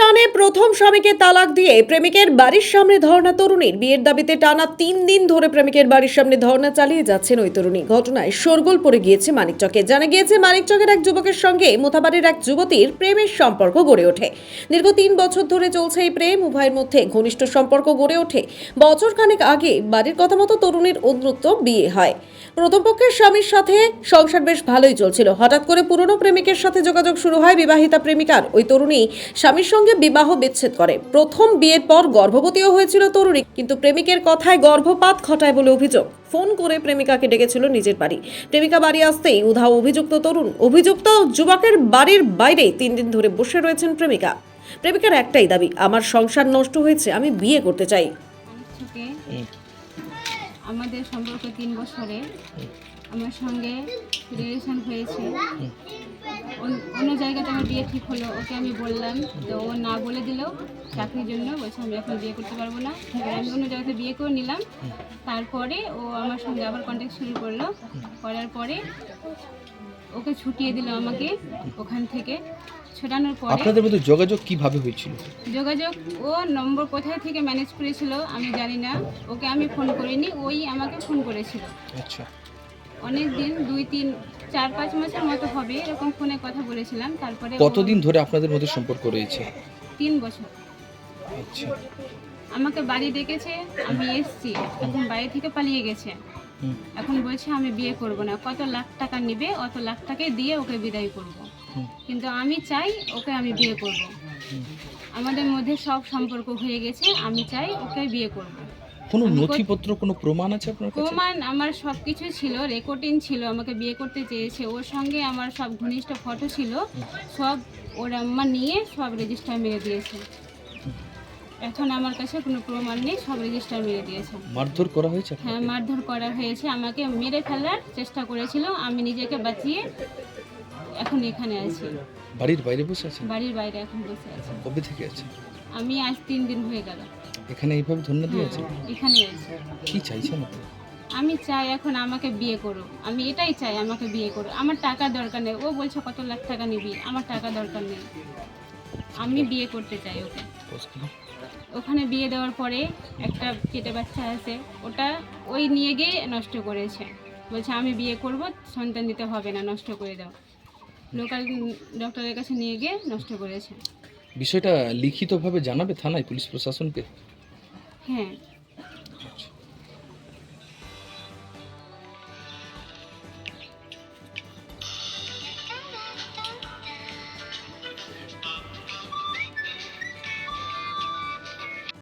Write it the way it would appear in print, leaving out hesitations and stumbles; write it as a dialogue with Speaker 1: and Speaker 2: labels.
Speaker 1: টানে প্রথম স্বামীকে তালাক দিয়ে প্রেমিকের বাড়ির সামনে ধর্ণা তরুণীর। বিয়ের দাবিতে টানা 3 দিন ধরে প্রেমিকের বাড়ির সামনে ধর্ণা চালিয়ে যাচ্ছেন ওই তরুণী। ঘটনায় শোরগোল পড়ে গিয়েছে মানিকচকে। জানা গিয়েছে মানিকচকের এক যুবকের সঙ্গে মোথাবাড়ির এক যুবতীর প্রেমের সম্পর্ক গড়ে ওঠে। দীর্ঘ 3 বছর ধরে চলছে এই প্রেম। উভয়ের মধ্যে ঘনিষ্ঠ সম্পর্ক গড়ে ওঠে। বছর খানেক আগে বাড়ির কথা মতো তরুণীর অন্যত্র বিয়ে হয়। প্রথম পক্ষের স্বামীর সাথে সংসার বেশ ভালোই চলছিল। হঠাৎ করে পুরনো প্রেমিকের সাথে যোগাযোগ শুরু হয় বিবাহিতা প্রেমিকার। ওই তরুণী স্বামীর সঙ্গে বিবাহ বিচ্ছেদ করে। প্রথম বিয়ের পর গর্ভবতীও হয়েছিল তরুণী, কিন্তু প্রেমিকের কথায় গর্ভপাত ঘটায় বলে অভিযোগ। ফোন করে প্রেমিকাকে ডেকেছিল নিজের বাড়ি। প্রেমিকা বাড়ি আসতেই উধাও অভিযুক্ত তরুণ। অভিযুক্ত যুবকের বাড়ির বাইরে 3 দিন ধরে বসে রয়েছেন প্রেমিকা। প্রেমিকার একটাই দাবি, আমার সংসার নষ্ট হয়েছে, আমি বিয়ে করতে চাই।
Speaker 2: থেকে আমাদের সম্পর্ক 3 বছরে আমার সঙ্গে রিলেশন হয়েছে। অন্য জায়গাতে আমার বিয়ে ঠিক হলো, ওকে আমি বললাম, তো ও না বলে দিল চাকরির জন্য। বলছে আমি এখন বিয়ে করতে পারবো না। এবার আমি অন্য জায়গাতে বিয়ে করে নিলাম। তারপরে ও আমার সঙ্গে আবার কন্ট্যাক্ট শুরু করলো। করার পরে ওকে ছুটিয়ে দিল আমাকে ওখান থেকে। ছোটানোর পরে
Speaker 3: আপনাদের মধ্যে যোগাযোগ কিভাবে হয়েছিল?
Speaker 2: যোগাযোগ ও নম্বর কোথায় থেকে ম্যানেজ করেছিল আমি জানি না। ওকে আমি ফোন করিনি, ওই আমাকে ফোন করেছিল।
Speaker 3: আচ্ছা,
Speaker 2: অনেক দিন 2-3-4-5 মাসের মতো হবে এরকম ফোনে কথা বলেছিলাম। তারপরে
Speaker 3: কতদিন ধরে আপনাদের মধ্যে সম্পর্ক রয়েছে?
Speaker 2: 3 বছর
Speaker 3: আচ্ছা,
Speaker 2: আমাকে বাড়ি ডেকেছে, আমি এসেছি। এখন বাড়ি থেকে পালিয়ে গেছে। এখন বলছে আমি বিয়ে করব না, কত লাখ টাকা নেবে অত লাখ টাকাই দিয়ে ওকে বিদায় করব। কিন্তু আমি চাই ওকে আমি বিয়ে করব। আমাদের মধ্যে সব সম্পর্ক হয়ে গেছে, আমি চাই ওকে বিয়ে করব।
Speaker 3: কোনো নথিপত্র, কোনো প্রমাণ আছে আপনার কাছে?
Speaker 2: প্রমাণ আমার সব কিছু ছিল, রেকর্ডিং ছিল। আমাকে বিয়ে করতে চেয়েছে, ওর সঙ্গে আমার সব ঘনিষ্ঠ ফটো ছিল, সব ওর আম্মা নিয়ে সব রেজিস্টার মেরে দিয়েছে। এখন আমার কাছে কোনো প্রমাণ নেই, সব রেজিস্টার মেরে দিয়েছে।
Speaker 3: মারধর করা হয়েছে?
Speaker 2: হ্যাঁ, মারধর করা হয়েছে, আমাকে মেরে ফেলার চেষ্টা করেছিল। আমি নিজেকে বাঁচিয়ে এখন এখানে আছি,
Speaker 3: বাড়ির বাইরে বসে আছেন?
Speaker 2: বাড়ির বাইরে এখন বসে আছি।
Speaker 3: কবে থেকে আছে?
Speaker 2: আমি আজ 3 দিন হয়ে গেল
Speaker 3: এখানে এইভাবে ধন্য দিয়ে আছে?
Speaker 2: এখানে আছি।
Speaker 3: কি চাইছেন আপনি?
Speaker 2: আমি চাই এখন আমাকে বিয়ে করো, আমি এটাই চাই, আমাকে বিয়ে করো। আমার টাকা দরকার নেই। ও বলছে কত লাখ টাকা নিবি, আমার টাকা দরকার নেই। আমি বিয়ে করতে চাই ওকে। ওখানে বিয়ে দেওয়ার পরে একটা পেটে বাচ্চা আছে, ওটা ওই নিয়ে গিয়ে নষ্ট করেছে। বলছে আমি বিয়ে করব, সন্তান দিতে হবে না, নষ্ট করে দাও। লোকাল ডক্টরের কাছে নিয়ে গিয়ে নষ্ট করেছে।
Speaker 3: বিষয়টা লিখিতভাবে জানাবে থানায়, পুলিশ প্রশাসনকে?
Speaker 2: হ্যাঁ,